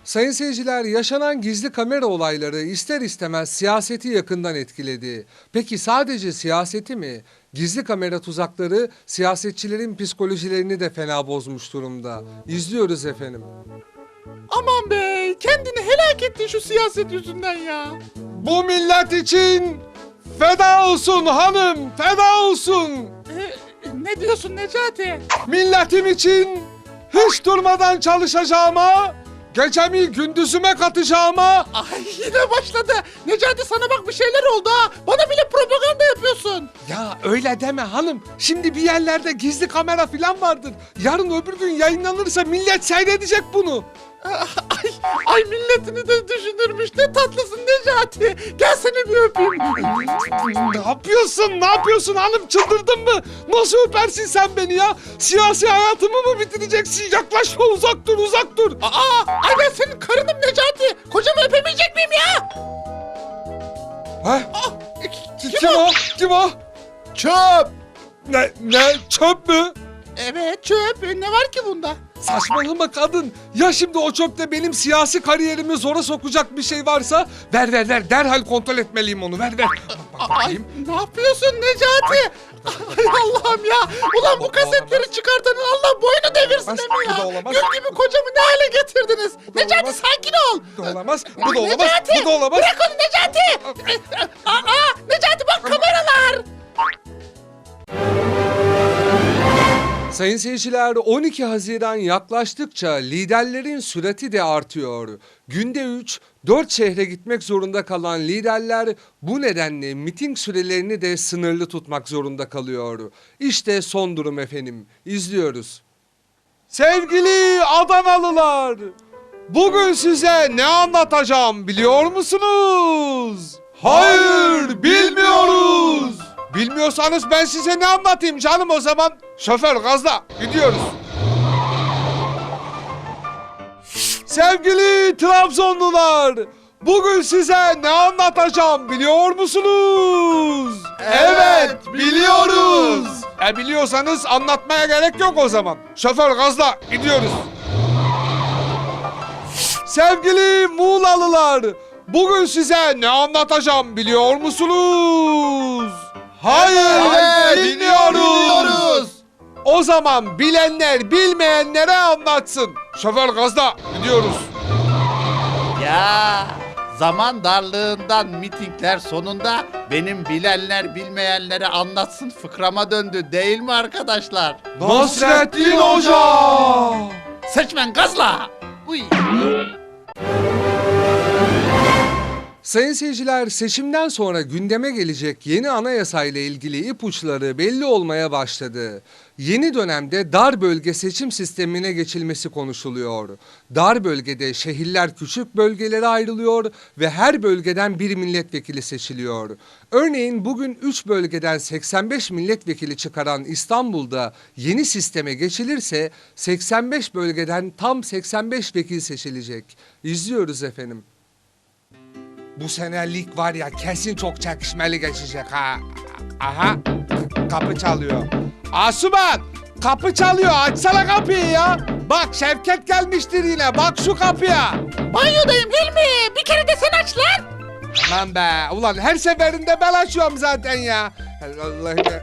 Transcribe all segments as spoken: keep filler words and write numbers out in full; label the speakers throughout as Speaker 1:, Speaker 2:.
Speaker 1: Sayın seyirciler, yaşanan gizli kamera olayları ister istemez siyaseti yakından etkiledi. Peki sadece siyaseti mi? Gizli kamera tuzakları siyasetçilerin psikolojilerini de fena bozmuş durumda. İzliyoruz efendim.
Speaker 2: Aman be, kendini helak ettin şu siyaset yüzünden ya.
Speaker 1: Bu millet için feda olsun hanım, feda olsun.
Speaker 2: Ee, ne diyorsun Necati?
Speaker 1: Milletim için hiç durmadan çalışacağıma, gecemi gündüzüme katacağıma.
Speaker 2: Ay yine başladı. Necati sana bak bir şeyler oldu ha. Bana bile propaganda yapıyorsun.
Speaker 1: Ya öyle deme hanım. Şimdi bir yerlerde gizli kamera falan vardır. Yarın öbür gün yayınlanırsa millet seyredecek bunu.
Speaker 2: Ay, ay milletini de düşünürmüş. Ne tatlısın Necati. Gel seni bir öpeyim.
Speaker 1: Ne yapıyorsun? Ne yapıyorsun hanım? Çıldırdın mı? Nasıl öpersin sen beni ya? Siyasi hayatımı mı bitireceksin? Yaklaşma, uzak dur, uzak dur.
Speaker 2: Aa, ay ben senin karınım Necati. Kocamı öpemeyecek miyim ya?
Speaker 1: Ha?
Speaker 2: Aa,
Speaker 1: Kim, kim o? Kim o?
Speaker 2: Çöp.
Speaker 1: Ne, ne? Çöp mü?
Speaker 2: Evet çöp. Ne var ki bunda?
Speaker 1: Saçmalama kadın. Ya şimdi o çöpte benim siyasi kariyerimi zora sokacak bir şey varsa ver ver ver. Derhal kontrol etmeliyim onu. Ver ver. Bak, bak,
Speaker 2: Ay,
Speaker 1: bakayım.
Speaker 2: ne yapıyorsun Necati? Ay Allah'ım ya. Ulan bu
Speaker 1: Bu
Speaker 2: kasetleri
Speaker 1: olamaz.
Speaker 2: çıkartanın Allah boynu devirsin
Speaker 1: Olamaz,
Speaker 2: değil mi
Speaker 1: bu da
Speaker 2: ya?
Speaker 1: olamaz.
Speaker 2: Gül gibi kocamı ne hale getirdiniz?
Speaker 1: Bu da
Speaker 2: Necati
Speaker 1: olamaz.
Speaker 2: sakin ol.
Speaker 1: Bu da olamaz. Bu da olamaz.
Speaker 2: Necati,
Speaker 1: Bu da olamaz.
Speaker 2: bırak onu Necati. Aa, Necati bak kameralar.
Speaker 1: Sayın seyirciler, on iki Haziran yaklaştıkça liderlerin sürati de artıyor. Günde üç dört şehre gitmek zorunda kalan liderler bu nedenle miting sürelerini de sınırlı tutmak zorunda kalıyor. İşte son durum efendim. İzliyoruz. Sevgili Adanalılar, bugün size ne anlatacağım biliyor musunuz? Hayır, bilmiyoruz. Bilmiyorsanız ben size ne anlatayım canım o zaman? Şoför gazla, gidiyoruz. Sevgili Trabzonlular, bugün size ne anlatacağım biliyor musunuz?
Speaker 2: Evet, biliyoruz.
Speaker 1: E biliyorsanız anlatmaya gerek yok o zaman. Şoför gazla, gidiyoruz. Sevgili Muğlalılar, bugün size ne anlatacağım biliyor musunuz? Hayır,
Speaker 2: Evet,
Speaker 1: bilmiyoruz.
Speaker 2: bilmiyoruz.
Speaker 1: O zaman bilenler bilmeyenlere anlatsın. Şoför gazla, gidiyoruz.
Speaker 3: Ya zaman darlığından mitingler sonunda benim bilenler bilmeyenlere anlatsın fıkrama döndü değil mi arkadaşlar?
Speaker 1: Nasrettin Hoca!
Speaker 3: Seçmen gazla! Uy.
Speaker 1: Sayın seyirciler, seçimden sonra gündeme gelecek yeni anayasa ile ilgili ipuçları belli olmaya başladı. Yeni dönemde dar bölge seçim sistemine geçilmesi konuşuluyor. Dar bölgede şehirler küçük bölgelere ayrılıyor ve her bölgeden bir milletvekili seçiliyor. Örneğin bugün üç bölgeden seksen beş milletvekili çıkaran İstanbul'da yeni sisteme geçilirse seksen beş bölgeden tam seksen beş vekil seçilecek. İzliyoruz efendim. Bu sene lig var ya kesin çok çekişmeli geçecek ha. Aha, kapı çalıyor. Asuman, kapı çalıyor, açsana kapıyı ya. Bak Şevket gelmiştir yine, bak şu kapıya.
Speaker 2: Banyodayım Hilmi. Bir kere de sen aç lan.
Speaker 1: Aman be, ulan her seferinde ben açıyorum zaten ya. Allah'ım ya.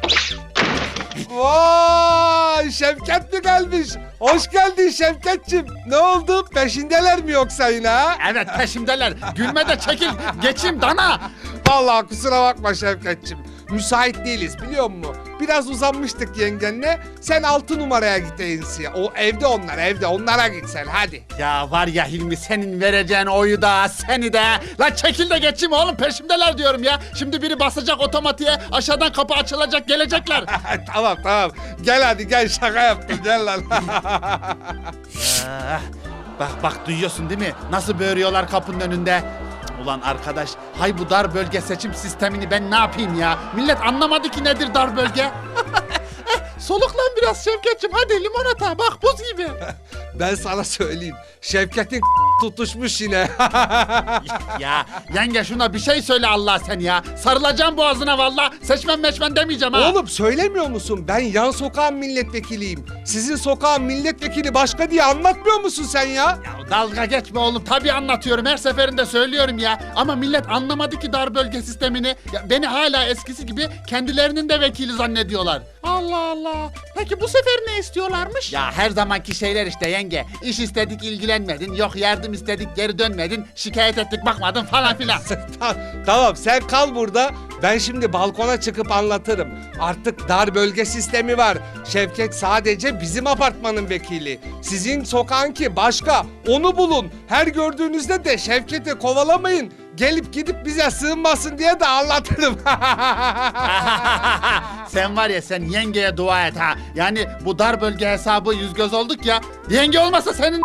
Speaker 1: Vay, Şevket mi gelmiş? Hoş geldin Şevketçim. Ne oldu, peşindeler mi yoksa yine ha?
Speaker 3: Evet peşimdeler. Gülme de çekil. Geçeyim dana.
Speaker 1: Vallahi kusura bakma Şevketçim. Müsait değiliz biliyor musun? Biraz uzanmıştık yengenle. Sen altı numaraya git Eynsi'ye. O evde onlar evde. Onlara git sen hadi.
Speaker 3: Ya var ya Hilmi senin vereceğin oyu da seni de. Lan çekil de geçeyim oğlum peşimdeler diyorum ya. Şimdi biri basacak otomatiğe aşağıdan kapı açılacak gelecekler.
Speaker 1: Tamam tamam. Gel hadi gel, şaka yaptım gel lan.
Speaker 3: Ah, bak bak duyuyorsun değil mi? Nasıl böğürüyorlar kapının önünde. Ulan arkadaş, hay bu dar bölge seçim sistemini ben ne yapayım ya? Millet anlamadı ki nedir dar bölge.
Speaker 2: Soluklan biraz Şevketçim, hadi limonata bak buz gibi.
Speaker 1: Ben sana söyleyeyim. Şevket'in tutuşmuş yine.
Speaker 3: Ya yenge şuna bir şey söyle Allah sen ya. Sarılacağım boğazına valla. Seçmen meçmen demeyeceğim ha.
Speaker 1: Oğlum söylemiyor musun? Ben yan sokağın milletvekiliyim. Sizin sokağın milletvekili başka diye anlatmıyor musun sen ya?
Speaker 3: Ya dalga geçme oğlum. Tabii anlatıyorum. Her seferinde söylüyorum ya. Ama millet anlamadı ki dar bölge sistemini. Ya beni hala eskisi gibi kendilerinin de vekili zannediyorlar.
Speaker 2: Allah Allah. Peki bu sefer ne istiyorlarmış?
Speaker 3: Ya her zamanki şeyler işte yenge. İş istedik ilgilenmedin. Yok yardım istedik geri dönmedin. Şikayet ettik bakmadın falan filan.
Speaker 1: Ta- tamam sen kal burada. Ben şimdi balkona çıkıp anlatırım. Artık dar bölge sistemi var. Şevket sadece bizim apartmanın vekili. Sizin sokağınki başka. Onu bulun. Her gördüğünüzde de Şevket'i kovalamayın. Gelip gidip bize sığınmasın diye de anlatırım.
Speaker 3: Sen var ya sen yengeye dua et ha. Yani bu dar bölge hesabı yüz göz olduk ya. Yenge olmasa senin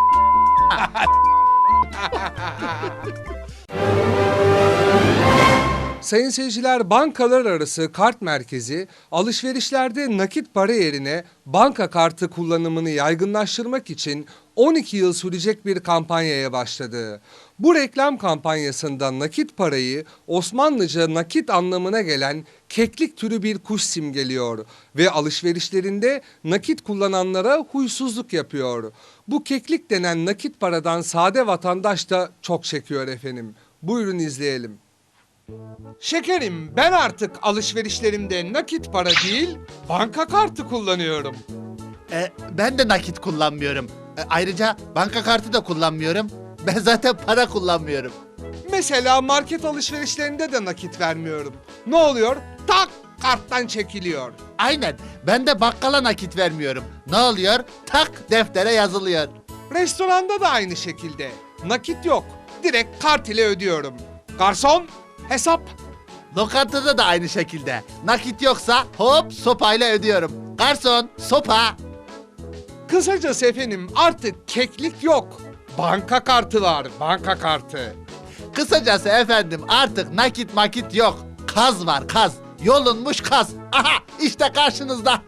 Speaker 1: Sayın seyirciler, bankalar arası kart merkezi alışverişlerde nakit para yerine banka kartı kullanımını yaygınlaştırmak için on iki yıl sürecek bir kampanyaya başladı. Bu reklam kampanyasında nakit parayı Osmanlıca nakit anlamına gelen keklik türü bir kuş simgeliyor ve alışverişlerinde nakit kullananlara huysuzluk yapıyor. Bu keklik denen nakit paradan sade vatandaş da çok çekiyor efendim. Buyurun izleyelim. Şekerim, ben artık alışverişlerimde nakit para değil, banka kartı kullanıyorum.
Speaker 3: E, ben de nakit kullanmıyorum. E, ayrıca banka kartı da kullanmıyorum. Ben zaten para kullanmıyorum.
Speaker 1: Mesela market alışverişlerinde de nakit vermiyorum. Ne oluyor? Tak, karttan çekiliyor.
Speaker 3: Aynen. Ben de bakkala nakit vermiyorum. Ne oluyor? Tak deftere yazılıyor.
Speaker 1: Restoranda da aynı şekilde. Nakit yok. Direkt kart ile ödüyorum. Garson, hesap.
Speaker 3: Lokantada da aynı şekilde. Nakit yoksa hop sopayla ödüyorum. Garson, sopa.
Speaker 1: Kısacası efendim artık keklik yok. Banka kartı var, banka kartı.
Speaker 3: Kısacası efendim artık nakit makit yok. Kaz var kaz. Yolunmuş kaz. Aha işte karşınızda.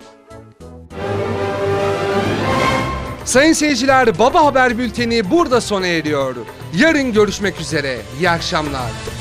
Speaker 1: Sayın seyirciler, Baba Haber Bülteni burada sona eriyor. Yarın görüşmek üzere. İyi akşamlar.